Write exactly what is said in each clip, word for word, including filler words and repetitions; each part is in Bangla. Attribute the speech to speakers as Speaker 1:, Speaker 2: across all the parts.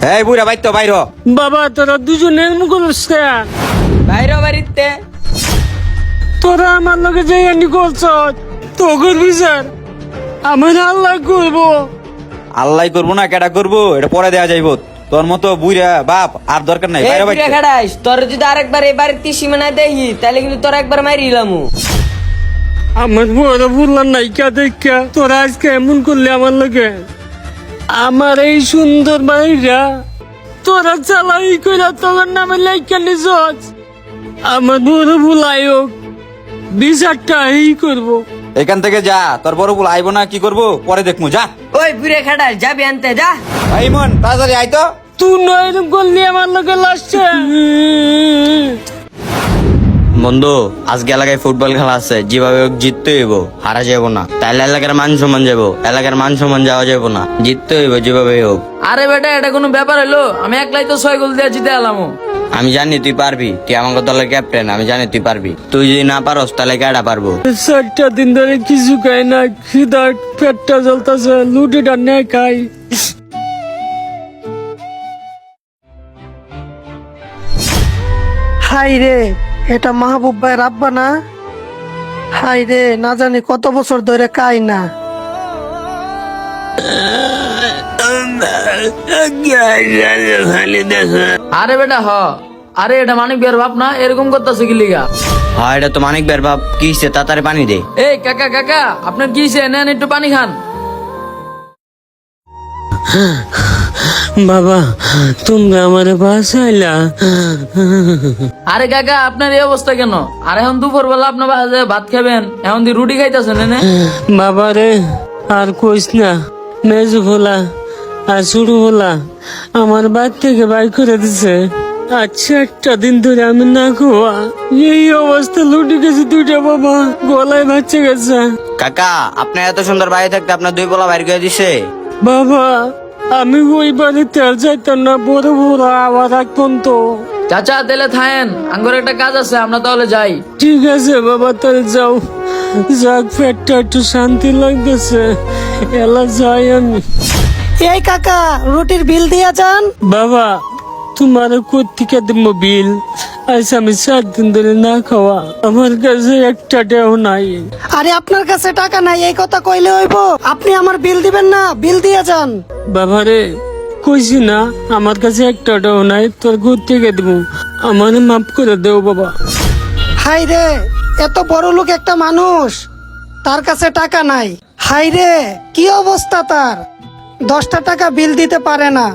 Speaker 1: এই বুড়া বাইর তো বাইর হ।
Speaker 2: বাবা তোরা দুজনের মুখ
Speaker 3: বাইরে বাড়িতে
Speaker 2: তোরা আমার লগে যাই আনি করছ তো করবি স্যার আমার আল্লাহ করবো।
Speaker 1: আল্লাহ করবো না কেডা করবো এটা পরে দেয়া যাইব। তোর মতো বুড়া বাপ আর দরকার নাই, বাইরে বাইর।
Speaker 3: খাড়াইস তোর যদি আরেকবার এই বাড়িতে সীমানায় দেখি তাহলে কিন্তু তোর একবার মারিলাম।
Speaker 2: আমার বড় বললাম নাইকা দেখা তোরা আজকে এমন করলে আমার লগে। আমার এই সুন্দর বাড়িটা তোরা চালাই করে তোর নামে লাইকা নিজ। আমার বড় ভুল আয়োগ বিচারটা এই করবো।
Speaker 1: এখান থেকে যা, তোর বড় বল আইব না কি করবো পরে দেখবো, যা।
Speaker 3: ওই বুড়ে খাড়াইস যাবি আনতে যা।
Speaker 1: এই মন তাড়াতাড়ি আই তো।
Speaker 2: তুই নয় এরকম করলি আমার লগে লাস্টে।
Speaker 4: বন্ধু আজকে এলাকায় ফুটবল খেলা আছে, যেভাবে হোক জিততে হইব, হারা যাবো না। তাইলে এলাকার মান সম্মান যাবো, এলাকার মান সম্মান যাওয়া যাবো না, জিততে হইব যেভাবে হোক।
Speaker 5: আরে বেটা এটা কোনো ব্যাপার হলো? আমি একলাই তো ছয় গোল দিয়ে জিতে এলাম।
Speaker 4: আমি জানি তুই পারবি, তুই আমাকে দলের ক্যাপ্টেন, আমি জানি তুই পারবি। তুই যদি না পারস তাহলে কেডা পারবো?
Speaker 2: চারটা দিন ধরে কিছু খাই না, খিদা পেটটা জ্বলতেছে, লুটিটা নে খাই।
Speaker 6: হাই রে, এটা মাহবুব ভাই রাব্বা না? হাই রে, না জানি কত বছর ধরে খাই না।
Speaker 5: আরে বেটা হ, আরে এটা মানিক বিয়ার বাপ না? এরকম করতেছে কি লিগা?
Speaker 4: হ্যাঁ এটা তো মানিক বের বাপ। কি হইছে তাড়াতাড়ি পানি দে।
Speaker 5: এই কাকা কাকা আপনার কি হইছে? নেন একটু পানি খান।
Speaker 2: বাবা তোমরা আমার বাসাইলা।
Speaker 5: আরে কাকা আপনার এই অবস্থা কেন? আর এখন দুপুর বেলা আপনার বাসায় ভাত খাবেন, এখন দি রুটি খাইতেছেন এনে?
Speaker 2: বাবা রে আর কইস না, মেজু ভোলা আর শুরু ভোলা আমার বাড়ি থেকে বাই করে দিছে। আচ্ছা একটা দিন ধরে আমি না খাওয়া, এই অবস্থা লুটি গেছে দুইটা, বাবা গলায় বাচ্চা গেছে।
Speaker 4: কাকা আপনার এত সুন্দর বাড়ি থাকতে আপনার দুই পোলা বাইর করে দিছে?
Speaker 2: বাবা আমি ওই বাড়িতে আর যাইতাম না, বড় বড় আবার রাখতাম তো।
Speaker 5: চাচা তাহলে থাকেন, আঙ্গুর একটা কাজ আছে, আমরা তাহলে যাই।
Speaker 2: ঠিক আছে বাবা তাহলে যাও। যাক পেটটা একটু শান্তি লাগতেছে, এলা যাই আমি।
Speaker 6: এই কাকা রুটির বিল দিয়া যান।
Speaker 2: বাবা তোমার কোথেকে দেবো বিল? আজ আমি সাত দিন ধরে না খাওয়া, আমার কাছে একটা টাকাও নাই।
Speaker 6: আরে আপনার কাছে টাকা নাই এই কথা কইলে হইব? আপনি আমার বিল দিবেন না? বিল দিয়া যান।
Speaker 2: বাবা রে কইছি না আমার কাছে একটা টাকাও নাই, তোর কোথেকে দেবো? আমার মাফ করে দেও বাবা।
Speaker 6: হাই রে, এত বড় লোক একটা মানুষ, তার কাছে টাকা নাই। হাই রে কি অবস্থা তার, দশটা টাকা বিল দিতে পারে না।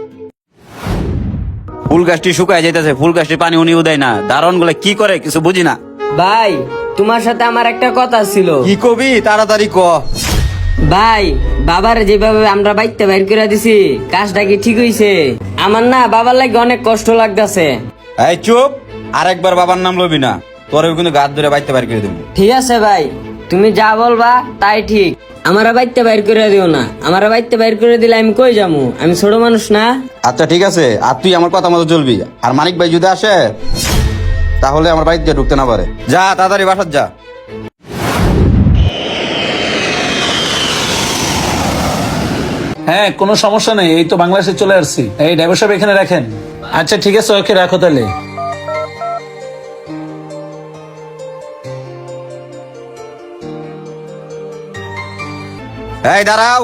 Speaker 1: ফুল গাছটি শুকায় যাইতেছে, ফুল গাছটি পানি উনিও দেয় না। দারণ গুলা কি করে কিছু বুঝি না।
Speaker 3: ভাই তোমার সাথে আমার একটা কথা ছিল।
Speaker 1: কি কবি তাড়াতাড়ি ক।
Speaker 3: ভাই বাবার যেভাবে আমরা বাইতে বাইর করে দিছি, কাজটা কি ঠিক হইছে? আমার না বাবার লাগে অনেক কষ্ট লাগতেছে।
Speaker 1: এই চুপ, আরেকবার বাবার নাম লবি না, তোর কিন্তু গাছ ধরে বাইতে বাইর করে দেবো।
Speaker 3: ঠিক আছে ভাই, তুমি যা বলবা তাই ঠিক। আমার বাইতে বাইর করে দিও না, আমার বাইতে বাইর করে দিলে আমি কই যামু? আমি ছোট মানুষ না।
Speaker 1: আচ্ছা ঠিক আছে, আর তুই আমার কথা মতো চলবি। আর মানিক ভাই যদি আসে তাহলে আমার বাড়িতে ঢুকতে না পারে। যা তাড়াতাড়ি বাসার যা।
Speaker 7: হ্যাঁ কোনো সমস্যা নেই, এই তো বাংলাদেশে চলে আসছি। এই ড্রাইভার সাহেব এখানে রাখেন। আচ্ছা ঠিক আছে, ওকে রাখো তাহলে।
Speaker 1: এই দাঁড়াও।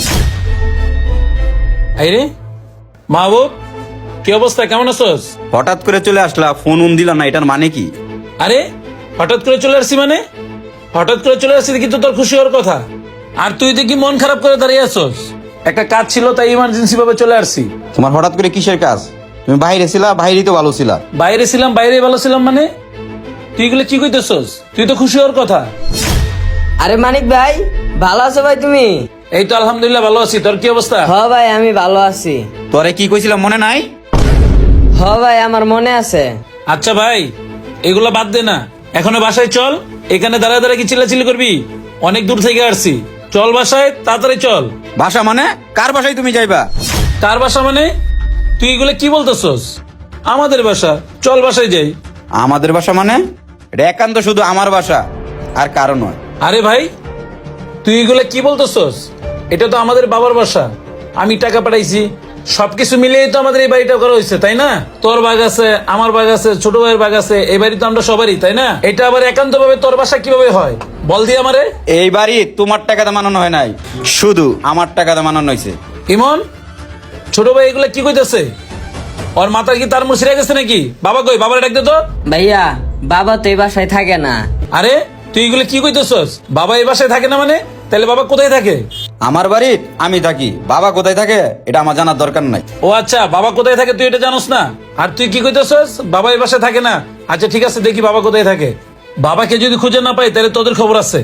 Speaker 7: এই রে মাহবুব, কি অবস্থা, কেমন আছোস?
Speaker 1: হঠাৎ করে চলে আসলা, ফোন উন দিলা না, এটার মানে কি?
Speaker 7: আরে হঠাৎ করে চলে আসছি মানে? হঠাৎ করে চলে আসছি কিন্তু তোর খুশি হওয়ার কথা, আর তুই দেখি মন খারাপ করে দাঁড়িয়ে আছোস। একটা কাজ ছিল তাই ইমার্জেন্সি ভাবে চলে আসছি।
Speaker 1: তোমার হঠাৎ করে কিসের কাজ? তুমি বাইরে ছিলা, বাইরেই তো ভালো ছিলা।
Speaker 7: বাইরে ছিলাম, বাইরে ভালো ছিলাম মানে? তুই এগুলো কি কইতেছস? তুই তো খুশি হওয়ার কথা।
Speaker 3: আরে মানিক ভাই ভালো আছো ভাই তুমি?
Speaker 7: এই তো আলহামদুলিল্লাহ ভালো আছি, তোর কি অবস্থা?
Speaker 3: হ ভাই আমি ভালো আছি।
Speaker 1: তোরে কি কইছিলাম মনে নাই?
Speaker 3: হ ভাই আমার মনে আছে।
Speaker 7: আচ্ছা ভাই এগুলো বাদ দে না, এখনো বাসায় চল। এখানে দাঁড়ায় দাঁড়ায় কি চিল্লাচিল্লি করবি? অনেক দূর থেকে আসছি, চল বাসায়, তাড়াতাড়ি চল।
Speaker 1: বাসা মানে? কার বাসায় তুমি যাইবা?
Speaker 7: কার বাসা মানে? তুই এগুলো কি বলতেছস? আমাদের বাসা, চল বাসায় যাই।
Speaker 1: আমাদের বাসা মানে? এটা একান্ত শুধু আমার বাসা, আর কারো নয়।
Speaker 7: আরে ভাই তুই এগুলো কি বলতেছস? এটা তো আমাদের বাবার বাসা, আমি টাকা পাঠাইছি, সবকিছু মিলিয়েই তো আমাদের এই বাড়িটা করা হয়েছে তাই না? তোর বাগ আছে, আমার বাগ আছে, ছোট ভাইয়ের বাগ আছে, এই বাড়ি তো আমরা সবারই তাই না? এটা আবার একান্ত ভাবে তোর বাসা কিভাবে হয় বল দিয়ে আমারে।
Speaker 1: এই বাড়ি তোমার টাকাতে মানানো হয় নাই, শুধু আমার টাকাতে মানানো হয়েছে।
Speaker 7: ইমন, ছোট ভাই এগুলা কি কইতেছে? ওর মাথা কি তার মুছিরে গেছে নাকি? বাবা কই, বাবার ডাক দে তো।
Speaker 3: ভাইয়া বাবা তো এই বাসায় থাকে না।
Speaker 7: আরে তুই এগুলো কি কইতেছস? বাবা এই বাসায় থাকে না মানে? তাহলে বাবা কোথায় থাকে?
Speaker 1: আমার বাড়ি আমি থাকি, বাবা কোথায় থাকে এটা আমার জানার দরকার নাই।
Speaker 7: ও আচ্ছা, বাবা কোথায় থাকে তুই এটা জানোস না? আর তুই কি কইতেছস বাবা এই বাসায় থাকে না? আচ্ছা ঠিক আছে, দেখি বাবা কোথায় থাকে। বাবাকে যদি খুঁজে না পাই তাহলে তোদের খবর আছে।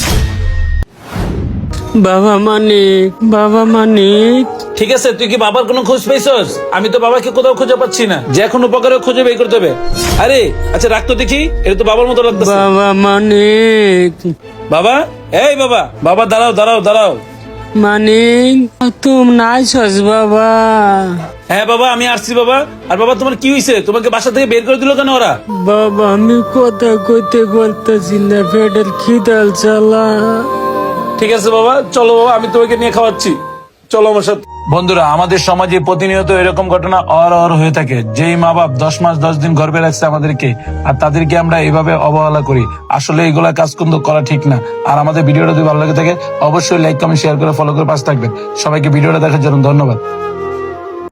Speaker 2: বাবা মানিক, বাবা মানিক।
Speaker 7: ঠিক আছে, তুই কি বাবার কোনো খোঁজ পাইছস? আমি তো বাবাকে কোথাও খুঁজে পাচ্ছি না, যে এখন উপকারে খুঁজে বের করতে হবে। আরে আচ্ছা রাখ তো দেখি, এটা তো বাবার মতো লাগতেছে।
Speaker 2: বাবা মানিক,
Speaker 7: বাবা, এই বাবা, বাবা দাঁড়াও দাঁড়াও দাঁড়াও।
Speaker 2: মানিক তুমি নাইছস বাবা?
Speaker 7: হ্যাঁ বাবা, আমি আসছি বাবা। আর বাবা তোমার কি হয়েছে? তোমাকে বাসা থেকে বের করে দিল কেন ওরা?
Speaker 2: বাবা আমি কথা কইতে বলতেছি না, পেটের খিদাল চালা।
Speaker 7: ঠিক আছে বাবা, চলো বাবা, আমি তোমাকে নিয়ে খাওয়াচ্ছি, চলো আমার সাথে। বন্ধুরা, আমাদের সমাজে প্রতিনিয়ত এরকম ঘটনা অর অর হয়ে থাকে। যেই মা বাপ দশ মাস দশ দিন গর্ভে রাখছে আমাদেরকে, আর তাদেরকে আমরা এইভাবে অবহেলা করি। আসলে এইগুলা কাজ কিন্তু করা ঠিক না। আর আমাদের ভিডিওটা যদি ভালো লাগে থাকে অবশ্যই লাইক কমেন্ট শেয়ার করে ফলো করে পাশে থাকবেন। সবাইকে ভিডিওটা দেখার জন্য ধন্যবাদ।